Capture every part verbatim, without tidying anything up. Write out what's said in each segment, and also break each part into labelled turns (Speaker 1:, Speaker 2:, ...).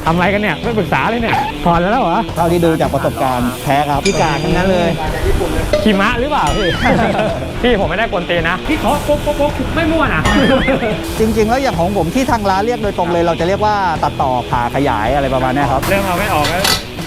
Speaker 1: ทำอะไรกันเนี่ยไม่ปรึกษาเลยเนี่ยถอนแล้วเหรอ
Speaker 2: เท่าที่ดูจากประสบการณ์แพ้ครับพี่กาทั้งนั้นเลย
Speaker 1: ขี่ม้าหรือเปล่าพี่ พี่ผมไม่ได้กวนตีนนะพี่ขอโป๊กโป๊กโป๊กไม่มั่วนะ
Speaker 2: จริงๆแล้วอย่างของผมที่ทางร้านเรียกโดยตรงเลยเราจะเรียกว่าตัดต่อผ่าขยายอะไรประมาณนี้ครับ
Speaker 1: เริ่มเอาไม่ออกแล้ว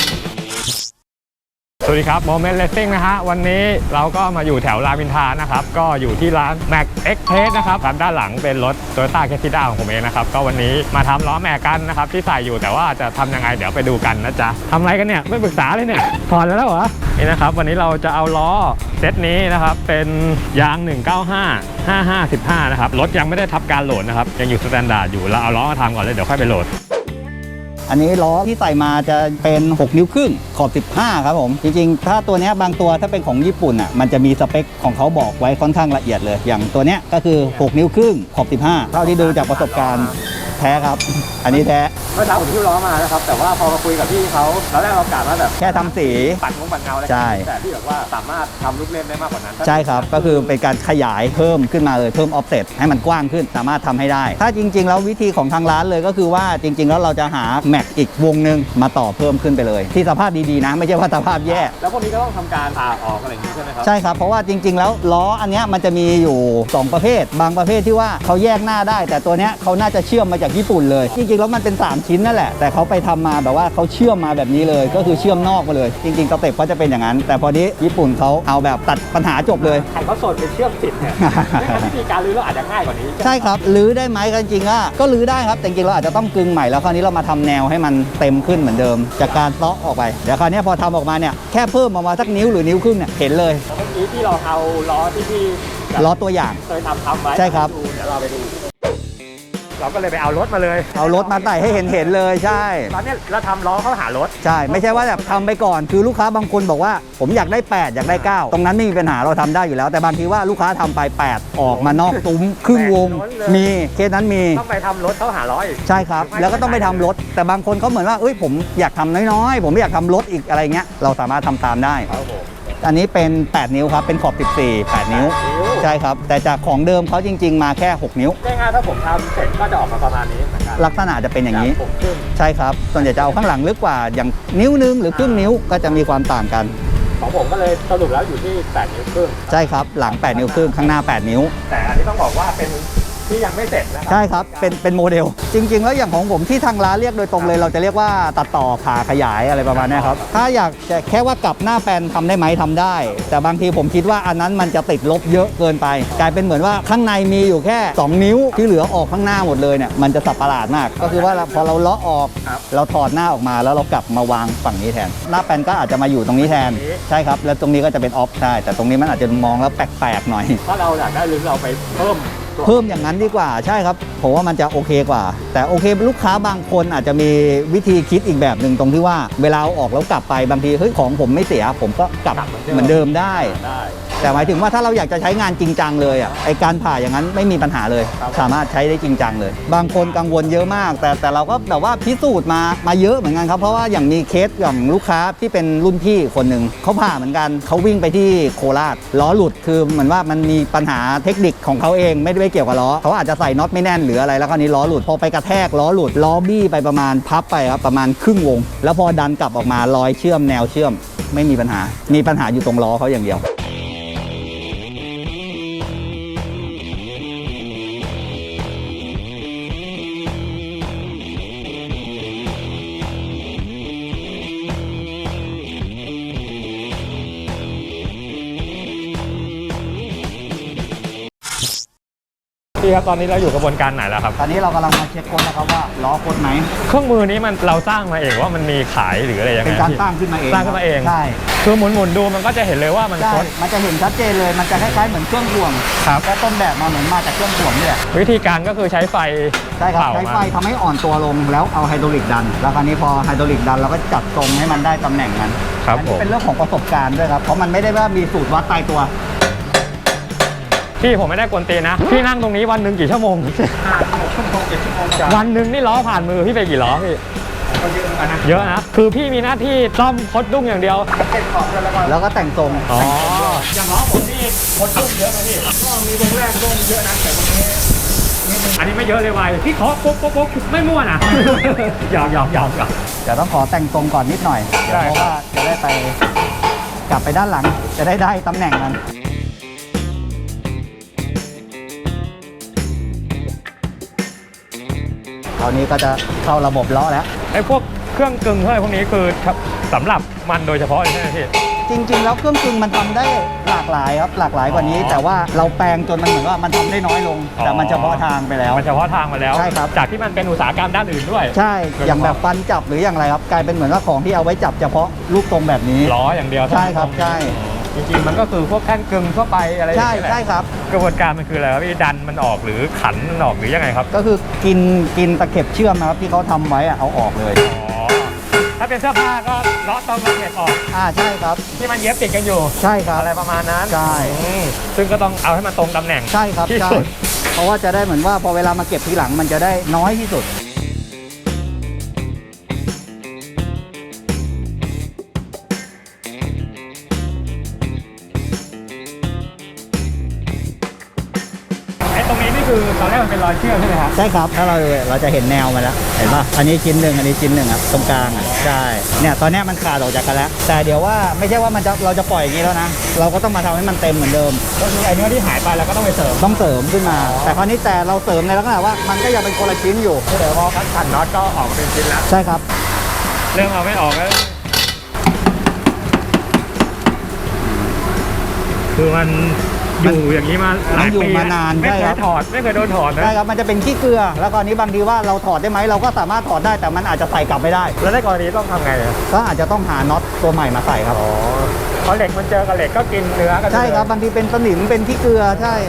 Speaker 1: สวัสดีครับโมเมนต์เลสซิ่งนะฮะวันนี้เราก็มาอยู่แถวรามอินทรานะครับก็อยู่ที่ร้าน Max Express นะครับด้านหลังเป็นรถ Toyota Cressida ของผมเองนะครับก็วันนี้มาทำล้อแม็กกันนะครับที่ใส่อยู่แต่ว่าจะทำยังไงเดี๋ยวไปดูกันนะจ๊ะทำอะไรกันเนี่ยไม่ปรึกษาเลยเนี่ยถอนแล้วเหรอนี่นะครับวันนี้เราจะเอาล้อเซตนี้นะครับเป็นยางหนึ่งเก้าห้า ห้าห้า สิบห้านะครับรถยังไม่ได้ทับการโหลดนะครับยังอยู่สแตนดาร์ดอยู่เราเอาล้อมาทำก่อนเลยเดี๋ยวค่อยไปโหลด
Speaker 2: อันนี้ล้อที่ใส่มาจะเป็นหกนิ้วครึ่งขอบสิบห้าครับผมจริงๆถ้าตัวนี้บางตัวถ้าเป็นของญี่ปุ่นอ่ะมันจะมีสเปคของเขาบอกไว้ค่อนข้างละเอียดเลยอย่างตัวเนี้ยก็คือหกนิ้วครึ่งขอบสิบห้าเท่าที่ดูจากประสบการณ์แท้ครับอันนี้แท้
Speaker 1: เมื่อเช้าผมที่ล้อมานะครับแต่ว่าพอมาคุยกับพี่เขาตอนแรกเรากะว่าแบบ
Speaker 2: แค่ทำสี
Speaker 1: ปัดงงปัดเงาอะไรแต่พี่บอกว่าสามารถทำลูกเล่นได้มากกว่านั้น
Speaker 2: ใช่ครับก็คือเป็นการขยายเพิ่มขึ้นมาเลยเพิ่มออฟเซ็ตให้มันกว้างขึ้นสามารถทำให้ได้ถ้าจริงๆแล้ววิธีของทางร้านเลยก็คือว่าจริงๆแล้วเราจะหาแม็กอีกวงนึงมาต่อเพิ่มขึ้นไปเลยที่สภาพดีๆนะไม่ใช่ว่าสภาพแย่
Speaker 1: แล้วพวกนี้ก็ต้องทำการผ่าออกอะไรอย่างนี้ใช่ไหมครับ
Speaker 2: ใช่ครับเพราะว่าจริงๆแล้วล้ออันนี้มันจะมีอยู่สองประเภทบางประเภทที่ว่าเขาแยกหน้าได้แต่ตัวเนี้ยเขาน่าจะเชื่อมมาจากญี่ปุ่นเลยจริงๆแล้วมันเป็นสามชิ้นนั่นแหละแต่เขาไปทำมาแบบว่าเขาเชื่อมมาแบบนี้เลยก็คือเชื่อมนอกมาเลยจริงๆสเต็ปก็จะเป็นอย่างนั้นแต่พอนี้ญี่ปุ่นเขาเอาแบบตัดปัญหาจบเลย
Speaker 1: ใครเขาสดเป็นเชื่อมติดเนี่ยวิธีการรื้อเราอาจจะง่ายกว่านี้
Speaker 2: ใช่ครับรื้อได้ไหมจริงๆก็ก็รื้อได้ครับแต่จริงๆเราอาจจะต้องกึงใหม่แล้วคราวนี้เรามาทำแนวให้มันเต็มขึ้นเหมือนเดิมจากการเตาะออกไปเดี๋ยวคราวนี้พอทำออกมาเนี่ยแค่เพิ่มออกมาสักนิ้วหรือนิ้วครึ่งเนี่ยเห็นเลย
Speaker 1: เมื่อกี้ที่เราเอาล้อที่พี่
Speaker 2: ล้อตัวอย่าง
Speaker 1: เคยทำทำไว้
Speaker 2: ใช่ครับ
Speaker 1: เดี๋ยวเราไปดูเราก็เลยไปเอารถมาเลย
Speaker 2: เอารถมาใส่ให้เห็นเห็นเลยใช่
Speaker 1: ตอนนี้เราทำล้อเข้าหารถ
Speaker 2: ใช่ไม่ใช่ว่าแบบทำไปก่อนคือลูกค้าบางคนบอกว่าผมอยากได้แปดอยากได้เก้าตรงนั้นไม่มีปัญหาเราทำได้อยู่แล้วแต่บางทีว่าลูกค้าทำไปแปดออกมานอกตุ้มครึ่งวงมีเคสนั้นมี
Speaker 1: ต้องไปทำรถเข้าหาร้อย
Speaker 2: ใช่ครับแล้วก็ต้องไปทำรถแต่บางคนเขาเหมือนว่าเอ้ยผมอยากทำน้อยๆผมไม่อยากทำรถอีกอะไรเงี้ยเราสามารถทำตามได้อันนี้เป็นแปดนิ้วครับเป็นขอบสิบสี่ แปดนิ้วใช่ครับแต่จากของเดิมเขาจริงๆมาแค่หกนิ้ว
Speaker 1: ง่ายๆถ้าผมทำเสร็จก็จะออกมาประมาณนี้เหมือนกัน
Speaker 2: ลักษณะจะเป็นอย่างนี้ใช่ครับส่วนใหญ่จะเอาข้างหลังลึกกว่าอย่างนิ้วนึงหรือครึ่งนิ้วก็จะมีความต่างกัน
Speaker 1: ของผมก็เลยสรุปแล้วอยู่ที่แปดนิ้วครึ่ง
Speaker 2: ใช่ครับหลังแปดนิ้วครึ่งข้างหน้าแปดนิ้ว
Speaker 1: แต่อันนี้ต้องบอกว่าเป็นที่ยังไม่เสร็จนะครับ
Speaker 2: ใช่ครับเป็นเป็นโมเดลจริงๆแล้วอย่างของผมที่ทางร้านเรียกโดยตรงเลยเราจะเรียกว่าตัดต่อผ่าขยายอะไรประมาณนี้ครับถ้าอยากจะแค่ว่ากลับหน้าแปลนทำได้ไหมทำได้แต่บางทีผมคิดว่าอันนั้นมันจะติดลบเยอะเกินไปกลายเป็นเหมือนว่าข้างในมีอยู่แค่สองนิ้วที่เหลือออกข้างหน้าหมดเลยเนี่ยมันจะสับประหลาดมากก็คือว่าพอเราเลาะออกเราถอดหน้าออกมาแล้วเรากลับมาวางฝั่งนี้แทนหน้าแปลนก็อาจจะมาอยู่ตรงนี้แทนใช่ครับแล้วตรงนี้ก็จะเป็นออฟใช่แต่ตรงนี้มันอาจจะมองแล้วแปลกๆหน่อย
Speaker 1: ถ้าเราอยากได้หรือเราไปเพิ่ม
Speaker 2: เพิ่มอย่างนั้นดีกว่าใช่ครับผมว่ามันจะโอเคกว่าแต่โอเคลูกค้าบางคนอาจจะมีวิธีคิดอีกแบบหนึ่งตรงที่ว่าเวลาเอาออกแล้วกลับไปบางทีเฮ้ยของผมไม่เสียผมก็กลับเหมือนเดิมได้แต่หมายถึงว่าถ้าเราอยากจะใช้งานจริงจังเลยอ่ะไอการผ่าอย่างนั้นไม่มีปัญหาเลยสามารถใช้ได้จริงจังเลยบางคนกังวลเยอะมากแต่แต่เราก็แบบว่าพิสูจน์มามาเยอะเหมือนกันครับเพราะว่าอย่างมีเคสอย่างลูกค้าที่เป็นรุ่นพี่คนหนึ่งเขาผ่าเหมือนกันเขาวิ่งไปที่โคราชล้อหลุดคือเหมือนว่ามันมีปัญหาเทคนิคของเขาเองไม่ได้เกี่ยวกับล้อเขาอาจจะใส่น็อตไม่แน่นหรืออะไรแล้วคราวนี้ล้อหลุดพอไปกระแทกล้อหลุดล้อบี้ไปประมาณพับไปครับประมาณครึ่งวงแล้วพอดันกลับออกมารอยเชื่อมแนวเชื่อมไม่มีปัญหามีปัญหาอยู่ตรงล้อเขาอย่างเดียว
Speaker 1: พี่ครับตอนนี้เราอยู่กระบวนการไหนแล้วครับ
Speaker 2: ตอนนี้เรากำลังมาเช็คค้นนะครับว่าล้อค้นไหม
Speaker 1: เครื่องมือนี้มันเราสร้างมาเองว่ามันมีขายหรืออะไรยังไง
Speaker 2: เป็นการสร้างขึ้นมาเอง
Speaker 1: สร้างขึ้นมาเอง
Speaker 2: ใช่
Speaker 1: คือหมุนหมุนดูมันก็จะเห็นเลยว่ามันค้น
Speaker 2: มันจะเห็นชัดเจนเลยมันจะคล้ายๆเหมือนเครื่องถ่วง
Speaker 1: ครับ
Speaker 2: แต่ต้นแบบมาเหมือนมาจากเครื่องถ่วงนี่แหละ
Speaker 1: วิธีการก็คือใช้ไฟ
Speaker 2: ใช่ครับใช้ไฟทำให้อ่อนตัวลงแล้วเอาไฮดรอลิกดันแล้วคราวนี้พอไฮดรอลิกดันเราก็จัดทรงให้มันได้ตำแหน่งมัน
Speaker 1: ครับผม
Speaker 2: เป็นเรื่องของประสบการณ์ด้วยครับเพราะมันไม่ได้ว่ามีสูตรวัดตายตัว
Speaker 1: พี่ผมไม่ได้กวนตีนนะพี่นั่งตรงนี้วันหนึ่งกี่ชั่วโมง
Speaker 2: ชั่วโมงเจ็ดชั่วโมง
Speaker 1: วันหนึ่งนี่ล้อผ่านมือพี่ไปกี่ล้อพี่เยอะนะคือพี่มีหน้าที่ซ่อมคดดุ้งอย่างเดียว
Speaker 2: แล้วก็แต่งทรง
Speaker 1: อ๋ออย่างล้อผมนี่คดดุ้งเยอะไหมพี่ก็มีวงแรกดุ้งเยอะนะแต่วงนี้นิดนึงอันนี้ไม่เยอะเลยไวพี่เคาะปุ๊บปุ๊บปุ๊บไม่มั่วนะ หยอกหยอกหยอกหยอก
Speaker 2: เดี๋ยวต้องขอแต่งตรงก่อนนิดหน่อยเดี๋ยว
Speaker 1: ได้
Speaker 2: เพราะว่าจะได้ไปกลับไปด้านหลังจะได้ได้ตำแหน่งมันคราวนี้ก็จะเข้าระบบล้อแล้ว
Speaker 1: ไอ้พวกเครื่องกึ่งเท่าไหร่พวกนี้คือสำหรับมันโดยเฉพาะเลยใช่ไหมพี่
Speaker 2: จริงๆแล้วเครื่องกึ่งมันทำได้หลากหลายครับหลากหลายกว่านี้
Speaker 1: อ๋อ
Speaker 2: แต่ว่าเราแปลงจนมันเหมือนว่ามันทำได้น้อยลง
Speaker 1: อ๋อ
Speaker 2: แต่มันเฉพาะทางไปแล้ว
Speaker 1: มันเฉพาะทางมาแล้ว
Speaker 2: ใช่ครับ
Speaker 1: จากที่มันเป็นอุตสาหกรรมด้านอื่นด้วย
Speaker 2: ใช่อย่างแบบฟันจับหรืออย่างไรครับ กลายเป็นเหมือนว่าของที่เอาไว้จับเฉพาะลูกตรงแบบนี้
Speaker 1: ล้ออย่างเดียว
Speaker 2: ใช่ครับใช่
Speaker 1: จริงๆมันก็คือพวกแท่นกึ่งทั่วไปอะไรอย่าง
Speaker 2: ใช่
Speaker 1: เงี้ยแหละ
Speaker 2: ใช่ครับ
Speaker 1: กระบวนการมันคืออะไรครับพี่ดันมันออกหรือขันมันออกหรือยังไงครับ
Speaker 2: ก็คือกินกินตะเข็บเชื่อมนะครับที่เขาทำไว้อะเอาออกเลย
Speaker 1: อ๋อถ้าเป็นเสื้อผ้าก็เลาะตรงกระเข็บออก
Speaker 2: อ่าใช่ครับ
Speaker 1: ที่มันเย็บติดกันอยู่
Speaker 2: ใช่ครับ
Speaker 1: อะไรประมาณนั้น
Speaker 2: ใช่
Speaker 1: อืมซึ่งก็ต้องเอาให้มันตรงตำแหน่ง
Speaker 2: ใช่ครับ
Speaker 1: ที่
Speaker 2: ใช่
Speaker 1: สุด
Speaker 2: เพราะว่าจะได้เหมือนว่าพอเวลามาเก็บทีหลังมันจะได้น้อยที่สุด
Speaker 1: ไอ้ตรงนี้นี่คือตอนแรกมันเป็นรอยเชือกใช่ไหมครับ
Speaker 2: ใช่ครับถ้าเราเราจะเห็นแนวมาแล้วเห็นป่ะอันนี้ชิ้นหนึ่งอันนี้ชิ้นหนึ่งครับตรงกลางอ่ะใช่เนี่ยตอนเนี้ยมันขาดออกจากกันแล้ว แต่เดี๋ยวว่าไม่ใช่ว่ามันจะเราจะปล่อยอย่างนี้แล้วนะเราก็ต้องมาทำให้มันเต็มเหมือนเดิม
Speaker 1: ก็คือไอ้เนื้อที่หายไปเราก็ต้องไปเสริม
Speaker 2: ต้องเสริมขึ้นมา แต่คราวนี้แต่เราเสริมในลักษณะว่ามันก็ยังเป็นคนละชิ้นอยู่
Speaker 1: เดี๋ยวพอคัดขันน็อตก็ออกมาเป็นชิ้นแล้ว
Speaker 2: ใช่ครับ
Speaker 1: เรื่องเอาไม่ออกแล้วคือมันอยู่อย่างนี้มาหลาย
Speaker 2: มันอยู่
Speaker 1: ปี
Speaker 2: มานาน
Speaker 1: ไม่
Speaker 2: ใช่
Speaker 1: เค
Speaker 2: ครั
Speaker 1: ย
Speaker 2: บ
Speaker 1: ถอดไม่เคยโดนถอดนะ
Speaker 2: ใช่ครับมันจะเป็นขี้เกลือ แล้วก็อันนี้บางทีว่าเราถอดได้ไหมเราก็สามารถถอดได้แต่มันอาจจะใส่กลับไม่ได้
Speaker 1: แล้วในกรณีต้องทำไงอะ
Speaker 2: ก็อาจจะต้องหาน็อตตัวใหม่มาใส่ครับ
Speaker 1: อ๋อเพราะเหล็กมันเจอกับเหล็กก็กินเนื้อกัน
Speaker 2: ใช่ครับ
Speaker 1: เลย
Speaker 2: บางทีเป็นสนิมเป็นขี้เกลือใช่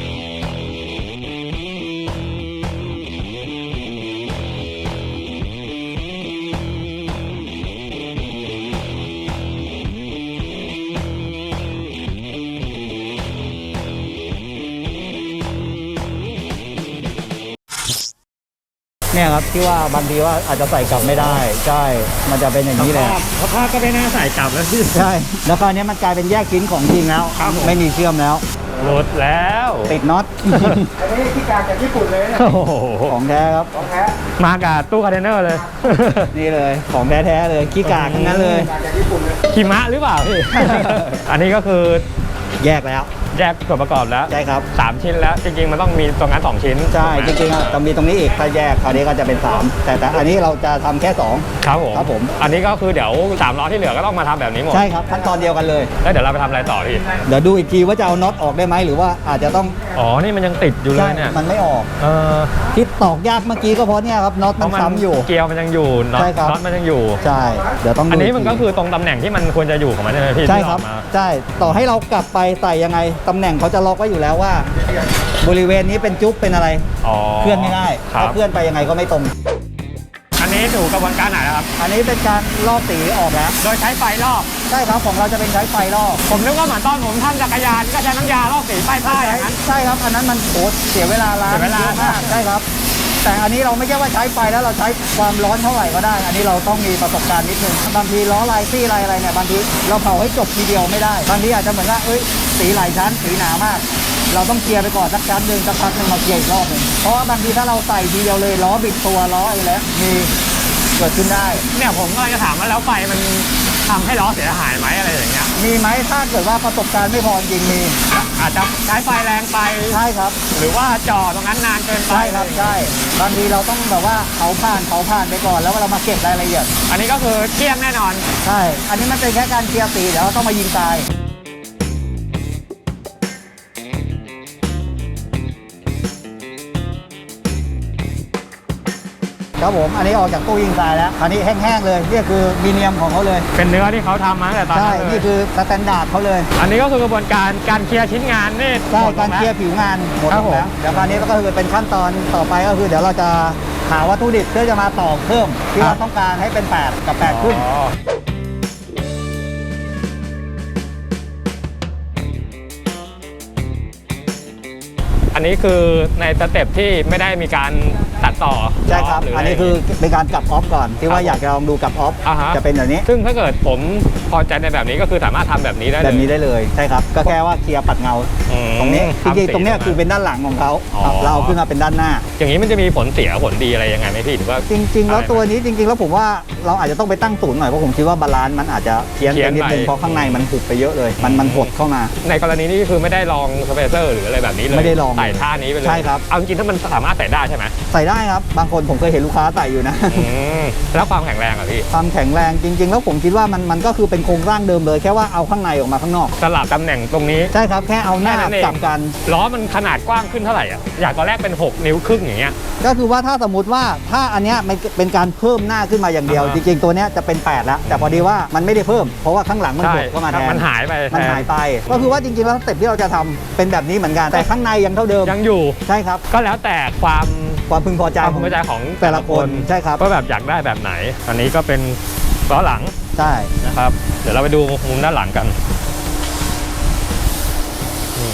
Speaker 2: เนี่ยครับที่ว่าบางทีว่าอาจจะใส่กลับไม่ได้ใช่มันจะเป็นอย่างนี้แหละ
Speaker 1: เพราะผ้าก็ไม่น่าใส่กลับแล้วพี่
Speaker 2: ใช่แล้วคราวนี้มันกลายเป็นแยกชิ้นของจริงแล้ว
Speaker 1: ครับผม
Speaker 2: ไม่มีเชื่อมแล้ว
Speaker 1: หลุดแล้ว
Speaker 2: ติดน็อต
Speaker 1: อันนี้ที่การจากญี่ปุ่นเลยเนี่ย
Speaker 2: โอ้โหของแท้ครับ
Speaker 1: ของแท้มากับตู้คอนเทนเนอร์เลย
Speaker 2: นี่เลยของแท้ๆเลยขี้กากทั้งนั้นเลย
Speaker 1: จากญี่ปุ่นเลยหิมะหรือเปล่าพี่ อันนี้ก็คือ
Speaker 2: แยกแล้ว
Speaker 1: แยกส่วนประกอบแล้ว
Speaker 2: ใช่ครับ
Speaker 1: สามชิ้นแล้วจริงๆมันต้องมีตรงนั้นสองชิ้น
Speaker 2: ใช่จ
Speaker 1: ถูกไหม
Speaker 2: ริงๆอ่ะจะมีตรงนี้อีกถ้าแยกคราวนี้ก็จะเป็นสามแต่แต่อันนี้เราจะทำแค่สอง
Speaker 1: ครับผม
Speaker 2: ครับผม
Speaker 1: อันนี้ก็คือเดี๋ยวสามล้อที่เหลือก็ต้องมาทำแบบนี้หมด
Speaker 2: ใช่ครับขั้นตอนเดียวกันเลย
Speaker 1: แล้วเดี๋ยวเราไปทำอะไรต่อพี่
Speaker 2: เดี๋ยวดูอีกทีว่าจะเอาน็อตออกได้ไหมหรือว่าอาจจะต้อง
Speaker 1: อ๋อนี่มันยังติดอยู่เล
Speaker 2: ใช่
Speaker 1: ยเนี่ย
Speaker 2: มันไม่ออก
Speaker 1: เออ
Speaker 2: ที่ตอกยากเมื่อกี้ก็เพราะเนี่ยครับน็อต
Speaker 1: เพ
Speaker 2: มัน
Speaker 1: ราะมัน
Speaker 2: ซ้ำอยู่
Speaker 1: เกลียวมันยังอยู่น็อต
Speaker 2: ใช่ครับ
Speaker 1: น็อตมันยังอยู่
Speaker 2: ใช่เดี๋ยวต้องดู
Speaker 1: อันนี้มันก็
Speaker 2: ที
Speaker 1: คือตรงตำแหน่งที่มันควรจะอยู่ของมันใช่ไหมพี่
Speaker 2: ใช่
Speaker 1: ที่
Speaker 2: ครับ
Speaker 1: ออกมา
Speaker 2: ใช่ต่อให้เรากลับไปใส่ยังไงตำแหน่งเขาจะล็อกไว้อยู่แล้วว่า บริเวณนี้เป็นจุ๊บเป็นอะไร
Speaker 1: อ๋อ
Speaker 2: เคลื่อนไม่ได้
Speaker 1: ครั
Speaker 2: ถ้า
Speaker 1: บ
Speaker 2: เคลื่อนไปยังไงก็ไม่ตรง
Speaker 1: อันนี้ถูกกระบวนการไหนนะครับ
Speaker 2: อันนี้เป็นการลอกสีออกแล้ว
Speaker 1: โดยใช้ไฟลอก
Speaker 2: ใช่ครับของเราจะเป็นใช้ไฟลอก
Speaker 1: ผมนึกว่าเหมือนตอนผมทำจักรยานก็ใช้น้ำยาลอกสีป้ายผ้าอย่างนั้น
Speaker 2: ใช่ครับอันนั้นมันโหเสียเวลาล้าง
Speaker 1: เสียเวลา
Speaker 2: เยอะมากใช่ครับ แต่อันนี้เราไม่ใช่ว่าใช้ไฟแล้วเราใช้ความร้อนเท่าไหร่ก็ได้ อันนี้เราต้องมีประสบการณ์นิดนึงบางทีล้อลายซี่ลายอะไรเนี่ยบางทีเราเผาให้จบทีเดียวไม่ได้บางทีอาจจะเหมือนว่าเอ้ยสีหลายชั้นสีหนามาก เราต้องเคลียร์ไปก่อนสักชั้นหนึ่งสักพักหนึ่งมาเคลียร์อีกรอบหนึ่งเพราะว่าบางทีถ้าเราใส่ทีเดียวเลยล้อบิดตัวล้ออะไรแล้วมีเกิดขึ้นได้
Speaker 1: เนี่ยผมก็เลยจะถามว่าแล้วไฟมันทำให้ล้อเสียหายไหมอะไรอย่างเงี้ย
Speaker 2: มีไหมถ้าเกิดว่าประสบการณ์ไม่พอจริงมี
Speaker 1: อาจจะใช้ไฟแรงไป
Speaker 2: ใช่ครับ
Speaker 1: หรือว่าจอดตรงนั้นนานเกินไป
Speaker 2: ใช่ครับใช่บางทีเราต้องแบบว่าเผาผ่านเผาผ่านไปก่อนแล้วเรามาเก็บรายละเอียด
Speaker 1: อันนี้ก็คือเกลี้ยงแน่นอน
Speaker 2: ใช่ อันนี้มันเป็นแค่การเคลียร์สีเดี๋ยวเราต้องมายิงตายครับผมอันนี้ออกจากตู้ยิงตายแล้วอันนี้แห้งๆเลยนี่คือมีเนียมของเขาเลย
Speaker 1: เป็นเนื้อที่เขาทำมาตั้งแต่ตอน
Speaker 2: ใช่
Speaker 1: นั้นเล
Speaker 2: นี่
Speaker 1: ย
Speaker 2: คือสแตนดาร์ดเขาเลย
Speaker 1: อันนี้ก็คือกระบวนการการเคลียร์ชิ้นงานนี่
Speaker 2: ใช่
Speaker 1: หมดล
Speaker 2: การ
Speaker 1: งแล้ว
Speaker 2: เคลียร์ผิวงานหมด
Speaker 1: ครับ
Speaker 2: แล้ว
Speaker 1: ผม
Speaker 2: เดี๋ยวคราวนี้ก็คือเป็นขั้นตอนต่อไปก็คือเดี๋ยวเราจะหาวัตถุดิบเพื่อจะมาต่อเพิ่มที่เราต้องการให้เป็นแปดกับแปดขึ้น
Speaker 1: อ๋ออันนี้คือในสเต็ปที่ไม่ได้มีการตัดต่อ
Speaker 2: ใช่ครับ
Speaker 1: หรืะ
Speaker 2: อัน
Speaker 1: ไร
Speaker 2: นี้คือเป็นการกลับออฟก่อนที่ว่าอยากจะลองดูกลับออฟ
Speaker 1: อ่าฮะ
Speaker 2: จะเป็นแบบนี้
Speaker 1: ซึ่งถ้าเกิดผมพอใจในแบบนี้ก็คือสามารถทำแบบนี้ได้เลย
Speaker 2: แบบนี้ได้เลยใช่ครับก็แค่ว่าเคลียร์ปัดเงา
Speaker 1: อืม
Speaker 2: ตรงนี้จ
Speaker 1: ทำ
Speaker 2: ริงๆตรงเนี้ย
Speaker 1: สี
Speaker 2: คือเป็นด้านหลังของเขา
Speaker 1: อ๋อ
Speaker 2: ครับเราเอาขึ้นมาเป็นด้านหน้า
Speaker 1: อย่างนี้มันจะมีผลเสียผลดีอะไรยังไงไหมพี่หรือว่า
Speaker 2: จริง ๆ แล้ว
Speaker 1: อะไร
Speaker 2: ตัวนี้จริง ๆ แล้วผมว่าเราอาจจะต้องไปตั้งศูนย์หน่อยเพราะผมคิดว่าบาลานซ์มันอาจจะเพี้ยน
Speaker 1: เพี้
Speaker 2: ไป
Speaker 1: ยน
Speaker 2: นิดนึง
Speaker 1: ไป
Speaker 2: เพราะข้างในมันหุบไปเยอะเลย มันมันหดเข้ามา
Speaker 1: ในกรณีนี้คือไม่ได้ลองสเปเซอร์หรืออะไรแบบนี้เลย
Speaker 2: ไม่ได้ลอง
Speaker 1: ใส่ท่านี้ไปเลย
Speaker 2: ใช่ครับ
Speaker 1: เอาจริงๆถ้ามันสามารถใส่ได้ใช่ไหม
Speaker 2: ใส่ได้ครับบางคนผมเคยเห็นลูกค้าใส่อยู่นะ
Speaker 1: อืมแล้วความแข็งแรงอ่ะพี่
Speaker 2: ความแข็งแรงจริง ๆ แล้วผมคิดว่ามันมันก็คือเป็นโครงร่างเดิมเลยแค่ว่าเอาข้างในออกมาข้างนอก
Speaker 1: สลับตำแหน่งตรงนี้
Speaker 2: ใช่ครับแค่เอาหน้า
Speaker 1: แค่นั้นเอง
Speaker 2: จับกัน
Speaker 1: ล้อมันขนาดกว้างขึ้นเท่าไหร่อ่ะอยากตอนแรกเป็นหกนิ้วครึ่งอย่างเงี้ย
Speaker 2: ก็คือว่าถ้าสมมติว่าถ้าอันเนี้ยมันเป็นการเพิ่มหน้าขึ้นมาอย่างเดียว
Speaker 1: อ่า
Speaker 2: จริงๆตัวเนี้ยจะเป็นแปดแล้วแต่พอดีว่ามันไม่ได้เพิ่มเพราะว่าข้างหลังมัน
Speaker 1: ใช่
Speaker 2: หดเข้ามาแทน
Speaker 1: มันหายไป
Speaker 2: มัน
Speaker 1: แท
Speaker 2: หายไป ก็คือว่าจริงๆแล้วสเต็ปที่เราจะทำเป็นแบบนี้เหมือนกันแต่ข้างในยังเท่าเดิม
Speaker 1: ยังอยู่
Speaker 2: ใช่ครับ
Speaker 1: ก็แล้วแต่ความ
Speaker 2: ความพึงพอใจ
Speaker 1: ความ
Speaker 2: ข
Speaker 1: พึ
Speaker 2: อง
Speaker 1: งพอใจของ
Speaker 2: แต่ละคนใช่ครับ
Speaker 1: ว่าแบบอยากได้แบบไหน อันนี้ก็เป็นล้อหลัง
Speaker 2: ใช่
Speaker 1: นะครับ เดี๋ยวเราไปดูมุมด้านหลังกันนี่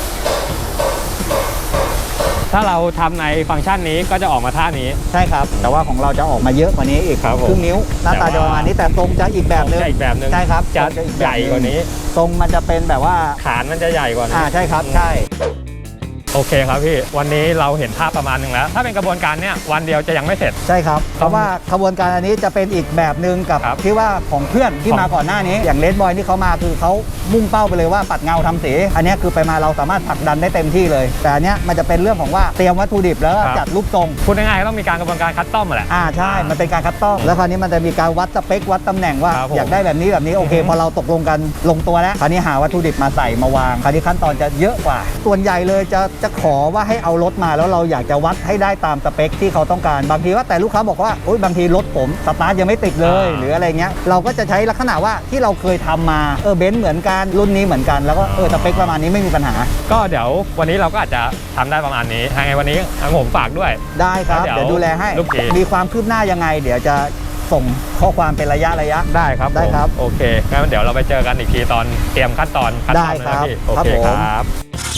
Speaker 1: ถ้าเราทำในฟังก์ชันนี้ก็จะออกมาท่านี้
Speaker 2: ใช่ครับ แต่ว่าของเราจะออกมาเยอะกว่านี้อีก
Speaker 1: ครับผม
Speaker 2: ครึ่งนิ้วหน้าตาจะประมาณนี้แต่ทรงจะอีกแบบนึง
Speaker 1: จะอีกแบบหนึง
Speaker 2: ใช่ครับ
Speaker 1: จะ
Speaker 2: ทรงอีก
Speaker 1: ให
Speaker 2: แบบ
Speaker 1: ญ่กว่านี้
Speaker 2: ทรงมันจะเป็นแบบว่า
Speaker 1: ฐานมันจะใหญ่กว่านี้
Speaker 2: อ่าใช่ครับใช่
Speaker 1: โอเคครับพี่ วันนี้เราเห็นภาพประมาณหนึ่งแล้ว ถ้าเป็นกระบวนการเนี้ยวันเดียวจะยังไม่เสร็จ
Speaker 2: ใช่ครับเพราะว่าขบวนการอันนี้จะเป็นอีกแบบหนึ่งกับ
Speaker 1: ครับ
Speaker 2: ที่ว่าของเพื่อนที่
Speaker 1: ของ
Speaker 2: มาก่อนหน้านี้ อย่างเลดบอยที่เขามาคือเขามุ่งเป้าไปเลยว่าปัดเงาทำสีอันเนี้ยคือไปมาเราสามารถผลักดันได้เต็มที่เลย แต่อันเนี้ยมันจะเป็นเรื่องของว่าเตรียมวัตถุดิบแล้วก็
Speaker 1: ครับ
Speaker 2: จัดรูปทรง
Speaker 1: พูดง่ายๆก็ต้องมีการกระบวนการคัสตอมแหละ
Speaker 2: อ่าใช่มันเป็นการคัดต้อมแล้วคราวนี้มันจะมีการวัดสเปควัดตำแหน่งว่า
Speaker 1: ครับผม
Speaker 2: อยากได้แบบนี้แบบนี้โอเค
Speaker 1: อือฮึ
Speaker 2: พอเราตกลงกันลงตัวแล้วคราวนี้หาวัตถุดิบมาใส่มาวางคราวนี้ขั้นตอนจะเยอะกว่า ส่วนใหญ่เลยจะจะขอว่าให้เอารถมาแล้วเราอยากจะวัดให้ได้ตามสเปคที่เขาต้องการบางทีว่าแต่ลูกค้าบอกว่าโอ๊ยบางทีรถผมสตาร์ทยังไม่ติดเลย
Speaker 1: อ่า
Speaker 2: หรืออะไรเงี้ยเราก็จะใช้ลักษณะว่าที่เราเคยทำมาเออเบนซ์เหมือนกันรุ่นนี้เหมือนกันแล้วก็เออสเปคประมาณนี้ไม่มีปัญหา
Speaker 1: ก็เดี๋ยววันนี้เราก็อาจจะทำได้ประมาณนี้ยังไงวันนี้ทางผมฝากด้วย
Speaker 2: ได้ครับ
Speaker 1: แล้วเดี๋
Speaker 2: เดี๋
Speaker 1: ย
Speaker 2: ยว วดูแลให้
Speaker 1: ลูกเกด
Speaker 2: มีความคืบหน้ายังไง เดี๋ยวจะส่งข้อความเป็นระยะระยะ
Speaker 1: ได้ครับ
Speaker 2: ได้
Speaker 1: ผม
Speaker 2: ครับ
Speaker 1: โอเคงั้นเดี๋ยวเราไปเจอกันอีกทีตอนเตรียมขั้นตอนขั้นตอน
Speaker 2: ได้
Speaker 1: นะครับ พี่โอ
Speaker 2: ครับ
Speaker 1: เค
Speaker 2: ผม
Speaker 1: ครับ